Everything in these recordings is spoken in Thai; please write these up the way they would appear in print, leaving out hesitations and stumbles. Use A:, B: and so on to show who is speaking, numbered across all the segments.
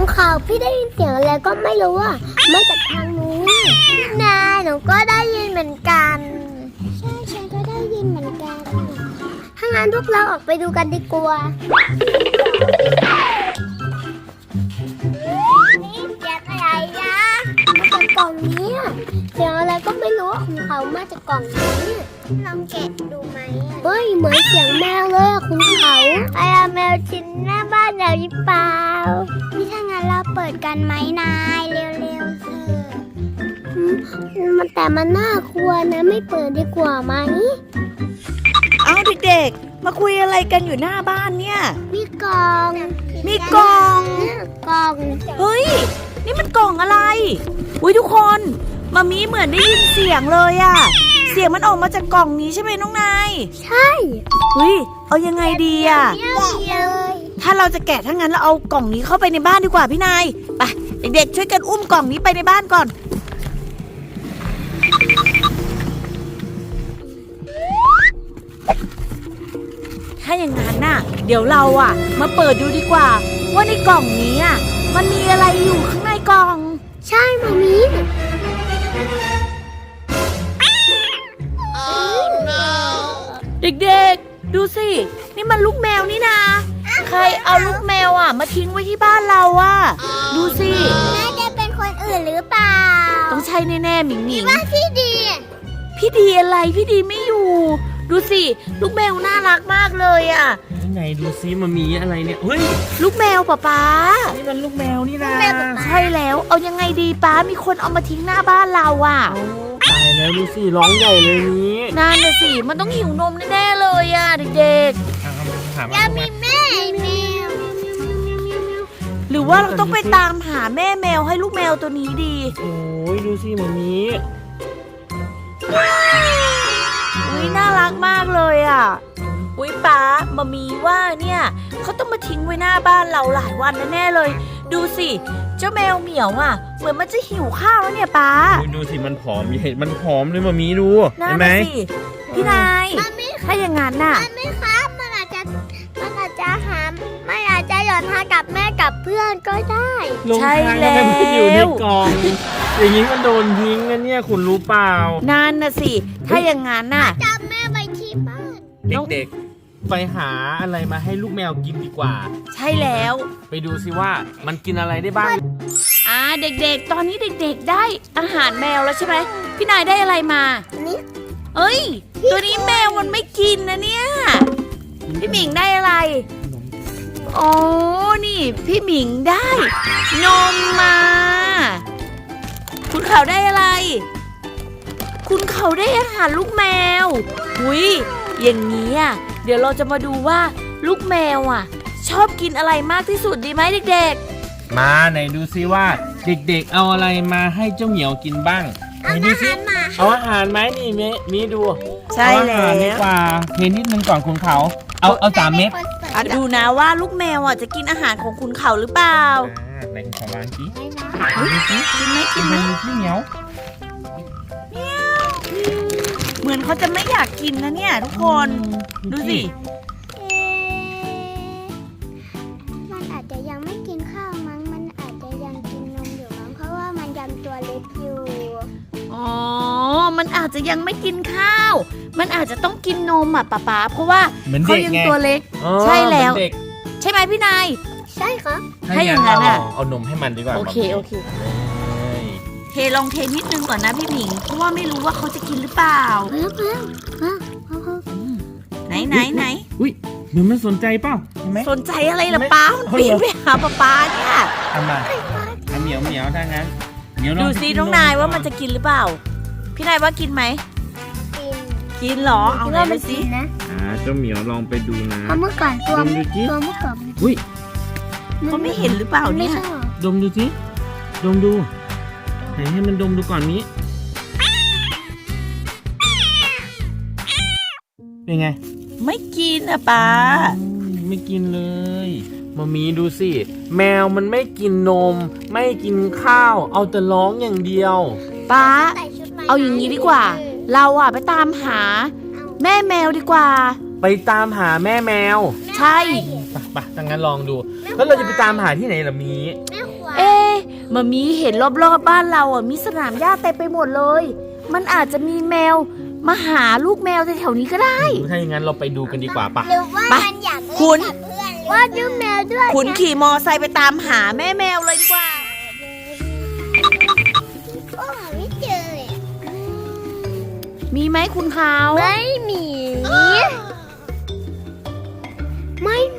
A: ข่าวพี่ได้ยินเสียงอะไรก็ไม่รู้อ่ะมาจากทางนู้นนายหนูก็ได้ยินเหมือนกันใช่ฉันก็ได้ยินเหมือนกันถ้างั้นพวกเราออกไปดูกันดีกว่านี่เสียงอะไรนะมาจากกล่องนี้เสียงอะไรก็ไม่รู้ของเขามาจากกล่องนี้ลองแกะดูไหมเฮ้ยเหมือนเสียงแมวเลยคุณเขาไอ้แมวชิ้นหน้าบ้านเราหรือเปล่านี่ถ้างั้นเราเปิดกันไหมนายเร็วๆสิแต่มันน่ากลัวนะไม่เปิดดีกว่าไหม
B: เอาเด็กๆมาคุยอะไรกันอยู่หน้าบ้านเนี่ย
A: มีกล่อง
B: มีกล่อง
A: กล่อง
B: เฮ้ยนี่มันกล่องอะไรอุ้ยทุกคนมามีเหมือนได้ยินเสียงเลยอะเสียงมันออกมาจากกล่องนี้ใช่ไหมน้องนาย
A: ใช่
B: เฮ้ยเอายังไงดีอะ
A: แกะเลย
B: ถ้าเราจะแกะถ้างั้นเราเอากล่องนี้เข้าไปในบ้านดีกว่าพี่นายไปเด็กๆช่วยกันอุ้มกล่องนี้ไปในบ้านก่อนถ้าอย่างนั้นน่ะเดี๋ยวเราอะมาเปิดดูดีกว่าว่าในกล่องนี้อะมันมีอะไรอยู่ข้างในกล่อง
A: ใช่มามี
B: เด็กๆดูสินี่มันลูกแมวนี่นาใครเอาลูกแมวอะมาทิ้งไว้ที่บ้านเราอะดูสิ
A: น่าจะเป็นคนอื่นหรือเปล่า
B: ต้องใช่แน่ๆหมิงหมิง
A: ว่าพี่ดี
B: พี่ดีอะไรพี่ดีไม่อยู่ดูสิลูกแมวน่ารักมากเลยอะ
C: ไหนดูซิมันมีอะไรเนี่ยเฮ้ย
B: ลูกแมวป๊า
C: นี่มันลูกแมวนี่นะ
B: ใช่แล้วเอายังไงดีป๊ามีคนเอามาทิ้งหน้าบ้านเราอะ
C: ตายแล้วดูสิร้องใหญ่เลยนี้
B: นั่นน่ะสิมันต้องหิวนมแน่ๆเลยอะเด็ก
A: ๆจะมีแม่แมว
B: หรือว่าเราต้องไปตามหาแม่แมวให้ลูกแมวตัวนี้ดี
C: โอ้ยดูสิมันมี
B: อุ้ยน่ารักมากเลยอ่ะอุ้ยป๊ามามีว่าเนี่ยเขาต้องมาทิ้งไว้หน้าบ้านเราหลายวันแน่ๆเลยดูสิเจ้าแมวเหมียวอ่ะเหมือนมันจะหิวข้าวแล้วเนี่ยป๊า
C: ดูสิมันผอมเห็นมันผอมเลยมามีดู
B: เห็นไหมพี่นายถ้าอย่างนั้นน่ะ
A: มันไม่ครับมันอาจจะหาไม่อาจจะหย่อนทากับแม่กับเพื่อนก็ได้
B: ใช่แล้ว
C: มันอยู่ในกล่องอย่างนี้มันโดนทิ้งนะเนี่ยคุณรู้เปล่า
B: นั่นน่ะสิถ้าอย่างนั้นน่ะ
A: จับแม่ไปที่บ้าน
C: เด็กๆไปหาอะไรมาให้ลูกแมวกินดีกว่า
B: ใช่แล้ว
C: ไปดูสิว่ามันกินอะไรได้บ้าง
B: เด็กๆตอนนี้เด็กๆได้อาหารแมวแล้วใช่ไหมพี่นายได้อะไรมา
A: นี่
B: เอ้ยตัวนี้แมวมันไม่กินนะเนี่ยพี่หมิงได้อะไรอ๋อนี่พี่หมิงได้นมมาคุณเขาได้อะไรคุณเขาได้อาหารลูกแมวหุยอย่างนี้อ่ะเดี๋ยวเราจะมาดูว่าลูกแมวอ่ะชอบกินอะไรมากที่สุดดีไหมเด็ก
C: ๆมาไหนดูซิว่าเด็กๆเอาอะไรมาให้เจ้าเหมียวกินบ้างไหนดูซิเอาอาหารไหมนี่มีดู
B: ใช่แล้ว
C: ดีกว่าเทนิดนึงก่อนคุณเขาเอา3 เม็ด
B: ดูนะว่าลูกแมวอ่ะจะกินอาหารของคุณเขาหรือเปล่า
C: ไหนขอวางกี้
B: กินไหมกินไหม
C: พี่เหมียว
B: เหมือนเขาจะไม่อยากกินนะเนี่ยทุกคนดูสิ
A: มันอาจจะยังไม่กินข้าวมั้งมันอาจจะยังกินนมอยู่มั้งเพราะว่ามันยังตัวเล็กอยู่
B: อ๋อมันอาจจะยังไม่กินข้าวมันอาจจะต้องกินนมอ่ะป๊าเพราะว่าเขายังตัวเล็กใช่แล้วใช่ไหมพี่นาย
A: ใช่ครับ
B: ให้อย่างนั้นอ่ะ
C: เอานมให้มันดีกว่า
B: โอเคลองเทนิดนึงก่อนนะพี่หมิงเพราะว่าไม่รู้ว่าเขาจะกินหรือเปล่าไหน
C: อุ้ยเหมือนมันสนใจเปล่าเห็นไหม
B: สนใจอะไรล่ะป้าปีนไปหาป้าเนี่ย
C: ทำไมเหมียวถ้างั้น
B: ดูซิน้องนายว่ามันจะกินหรือเปล่าพี่นายว่ากินไหมกินหรอเอาไหนดูซิ
C: เจ้าเหมียวลองไปดูนะ
A: เมื่อก่อนตัวเมื่อก่อน
C: อุ้ย
B: เขาไม่เห็นหรือเปล่าเนี่ย
C: ดมดูสิดมดูไหนให้มันดมดูก่อนนี้เป็นไง
B: ไม่กินอ่ะป้า
C: ไม่กินเลยมามีดูสิแมวมันไม่กินนมไม่กินข้าวเอาแต่ร้องอย่างเดียว
B: ป้าเอาอย่างนี้ดีกว่าเราอ่ะไปตามหาแม่แมวดีกว่า
C: ไปตามหาแม่แมว
B: ใช่
C: ไปถ้างั้นลองดูแล้วเราจะไปตามหาที่ไหนล่ะมี
A: แม่ขวาน
B: เอ๊ะมามีเห็นรอบๆบ้านเราอ่ะมีสนามหญ้าเต็มไปหมดเลย มันอาจจะมีแมวมาหาลูกแมวแถวๆนี้ก็ได้
C: ถ้าอย่างนั้นเราไปดูกันดีกว่าปะ
A: หรือว่า
B: ไป
A: มันอยากเล่น
B: คุณ
A: กับเพื่อนว่าดูแมวด้วย
B: คุณขี่มอไซค์ไปตามหาแม่แมวเลยดีกว่า
A: โอ้ไม่เจอเลย
B: มีไหมคุณเขา
A: ไม่มี ไม่มี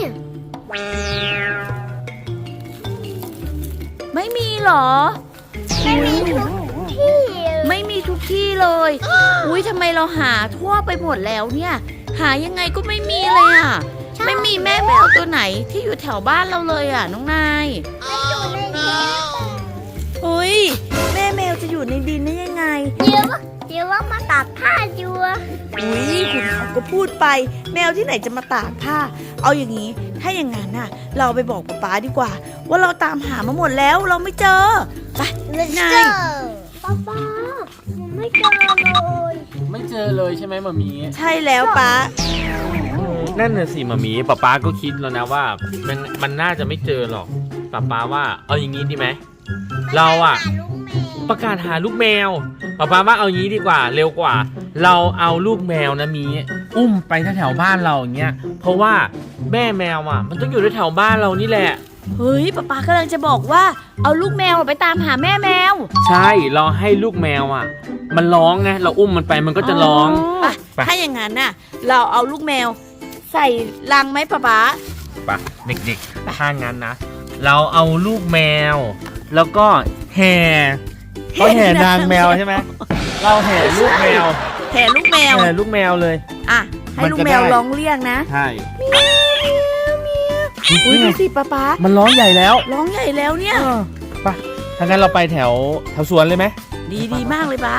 B: ไม่มีเหรอ
A: ไม่มีทุกที่
B: ไม่มีทุกที่เลย อุ้ยทำไมเราหาทั่วไปหมดแล้วเนี่ย หายังไงก็ไม่มีเลยอ่ะ ไม่มีแม่แมวตัวไหนที่อยู่แถวบ้านเราเลยอ่ะน้องนาย
A: ไม่อยู่ในเทป
B: เฮ้ยแม่แมวจะอยู่ในดินได้ยังไง
A: เดี๋ยวว่ามาตัดผ้าอยู่อะ
B: อุ้ยคุณเขาก็พูดไป แมวที่ไหนจะมาตากผ้า เอาอย่างนี้ ถ้าอย่างนั้นน่ะ เราไปบอกป๊าดีกว่า ว่าเราตามหามาหมดแล้วเราไม่เจอ ไป
A: เจ
B: นาย
A: อป้าผมไม่เจอเลย
C: ไม่เจอเลยใช่ไหมมามี
B: ใช่แล้วป๊า
C: นั่นน่ะสิมามีป๊าก็คิดแล้วนะว่ามันน่าจะไม่เจอหรอกป๊าว่าเอาอย่างนี้ดีไหมเราอะประกาศหาลูกแมวป๊าว่าเอาอย่างนี้ดีกว่าเร็วกว่า เราเอาลูกแมวนะมีอุ้มไปแถวบ้านเราอย่างเงี้ยเพราะว่าแม่แมวอะมันต้องอยู่แถวบ้านเรานี่แหละ
B: เฮ้ยป๊ากำลังจะบอกว่าเอาลูกแมวไปตามหาแม่แมว
C: ใช่เราให้ลูกแมวอะมันร้องไงเราอุ้มมันไปมันก็จะร้อง
B: ไป
C: ไป
B: ถ้าอย่างนั้นน่ะ เราเอาลูกแมวใส่ลังไหมป๊า
C: ปะเด็กๆถ้างั้นนะเราเอาลูกแมว แล้วก็แห่เขาแห่นางแมวใช่ไหมเราแห่ลูกแมว
B: แห่ลูกแมว
C: แห่ลูกแมวเลย
B: อ่ะให้
C: มัน
B: ลูก
C: จะ
B: แมว
C: ได้
B: ร้องเรียกนะ
C: ใช่
B: อุ้ยดูสิป๊า
C: มันร้องใหญ่แล้ว
B: ร้องใหญ่แล้วเนี่ย
C: ไปถ้างั้นเราไปแถวสวนเลยไหม
B: ดีมากเลยป๊า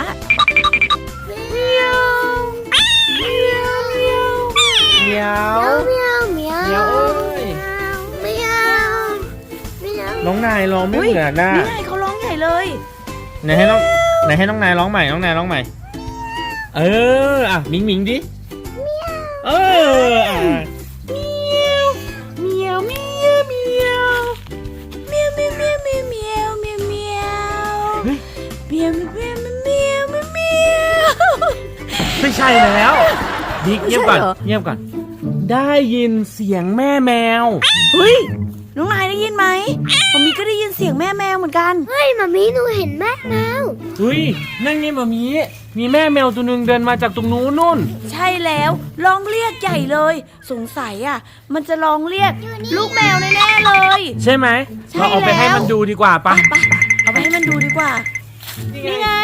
C: เมียว
A: เมียวเมียว
C: เมียวเอ้ย
A: เมียวเมียว
C: น้องนายร้องไม่เหมือนน่ะ
B: นี่ไงเขาร้องใหญ่เลย
C: ไหนให้น้องนายร้องใหม่น้องนายร้องใหม่เอออ่ะหมิงดิเอออ่ะ
B: เมียวเมียวเมียวเมียวเมียวเมียวเมียวเมียวเมียวเมียวเมียวเมียวเมียวเมียวเมียวเมียว
C: ไม่ใช่แล้วดิ๊กเงียบก่อน
B: ไม่ใช่เหรอ
C: เงียบก่อนได้ยินเสียงแม่แมว
B: เฮ้ยน้องนายได้ยินไหมผมมีก็ได้ยินเสียงแม่แมวเหมือนกัน
A: เฮ้ยมามีหนูเห็นแม่แมว
C: เฮ้ยนั่นไงมามีแม่แมวตัวหนึ่งเดินมาจากตรงนู้นนู่น
B: ใช่แล้วร้องเรียกใหญ่เลย สงสัยอ่ะ มันจะร้องเรียกลูกแมวแน่ๆเลย
C: ใช่ไหม
B: ใช่
C: เราเอาไปให้
B: แล้ว
C: มันดูดีกว่าปะ
B: ไปเอาไปให้มันดูดีกว่า นี่ไง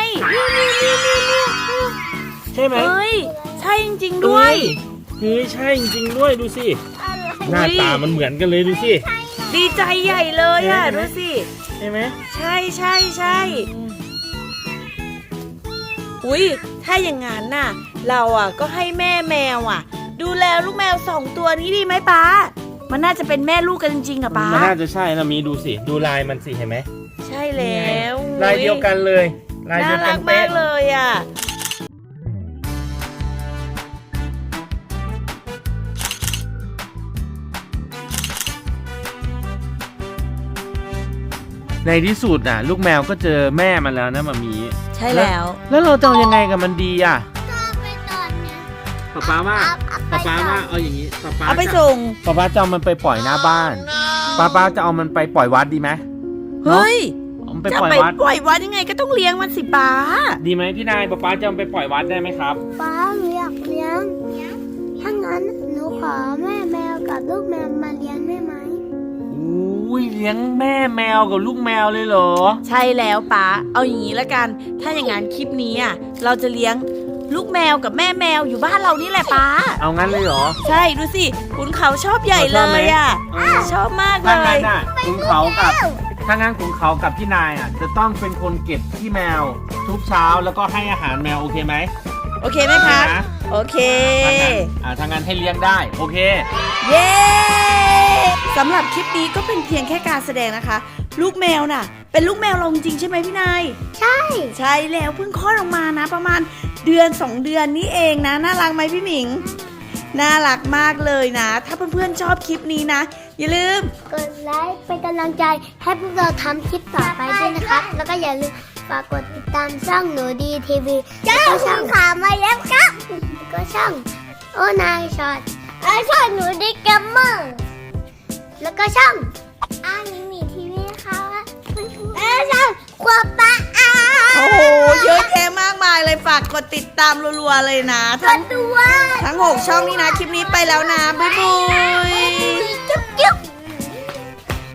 C: ใช่ไหม
B: เฮ้ยใช่จริงๆด้วย
C: เฮ้ยใช่จริงๆด้วยดูสิหน้าตามันเหมือนกันเลยดูสิ
B: ดีใจใหญ่เลยอ่ะ
C: ใช่ไหม
B: ดูสิ
C: ใช่ไหม
B: ใช่ใช่ใช่อุ้ยถ้าอย่างงั้นน่ะ เราอ่ะก็ให้แม่แมวอ่ะ ดูแลลูกแมว2 ตัวนี้ดีไหมป๊ามันน่าจะเป็นแม่ลูกกันจริงๆอ่ะป๊า
C: มันน่าจะใช่นะมีดูสิดูลายมันสิเห็นไหม
B: ใช่แล้ว
C: ลายเดียวกันเลยลาย
B: น่า
C: เดียวกั
B: รั
C: น
B: ก
C: เป๊ะ
B: มากเลยอ่ะ
C: ในที่สุดอ่ะ ลูกแมวก็เจอแม่มันแล้วนะมามี
B: ใช่แล้ว
C: แล้วเราจะเอายังไงกับมันดีอ่ะ
A: ไปตอนเนี้ย
C: ป๊าว่า
A: เอาไปก่อน
C: เอาอย่างนี้ป๊า
B: เอาไปส่ง
C: ป๊าจะเอามันไปปล่อยหน้าบ้านป๊าจะเอามันไปปล่อยวัดดีไหม
B: เฮ้ย
C: เอามันไป
B: จะ
C: ปล่อย
B: ไป
C: วัด
B: ปล่อยวัดยังไงก็ต้องเลี้ยงมันสิป๊า
C: ดีไหมพี่นายป๊าจะเอามันไปปล่อยวัดได้ไหมครับ
A: ป้าหนูอยากเลี้ยงถ้างั้นหนูขอแม่แมวกับลูกแมวมาเลี้ยงได้ไหม
C: อุ้ยเลี้ยงแม่แมวกับลูกแมวเลยเหรอ
B: ใช่แล้วป๊าเอาอย่างนี้ละกัน ถ้าอย่างงั้นคลิปนี้อ่ะเราจะเลี้ยงลูกแมวกับแม่แมวอยู่บ้านเรานี่แหละป๊า
C: เอางั้นเลยเหรอ
B: ใช่ดูสิขุนเขาชอบใหญ่เลยอ่ะ ชอบมากเล
C: ถ้างั้
B: ย
C: นน่ะขุนเขากับถ้างั้นขุนเขากับพี่นายอ่ะจะต้องเป็นคนเก็บขี้แมวทุกเช้าแล้วก็ให้อาหารแมวโอเคไหม
B: โอเคไหมคะ
C: นะ
B: โอเค
C: ถ้างั้นให้เลี้ยงได้โอเค
B: เย้สำหรับคลิปนี้ก็เป็นเพียงแค่การแสดงนะคะ ลูกแมวน่ะ เป็นลูกแมวเราจริงๆใช่ไหมพี่นาย
A: ใช่
B: ใช่แล้วเพิ่งคลอดออกมานะ ประมาณเดือน 2 เดือนนี้เองนะน่ารักไหมพี่หมิงน่ารักมากเลยนะ ถ้าเพื่อนๆชอบคลิปนี้นะ อย่าลืม
A: กดไลค์เป็นกำลังใจให้พวกเราทำคลิปต่อไปด้วยนะครับ แล้วก็อย่าลืมฝากกดติดตามช่องหนูดีทีวีแล้วก็ช่องขามาแล้วครับแล้วก็ช่องโอนายช็อตช่องหนูดีเกมเมอร์แล้วก็ช่องอานิมีทีวีค่ะแล้วช่องความปะอา
B: โอ้โหเยอะแยะมากมายเลยฝากกดติดตามรัวๆเลยนะ
A: กดด้วย
B: ทั้ง6ช่องนี้นะ คลิปนี้ไปแล้วนะ บ๊ายบาย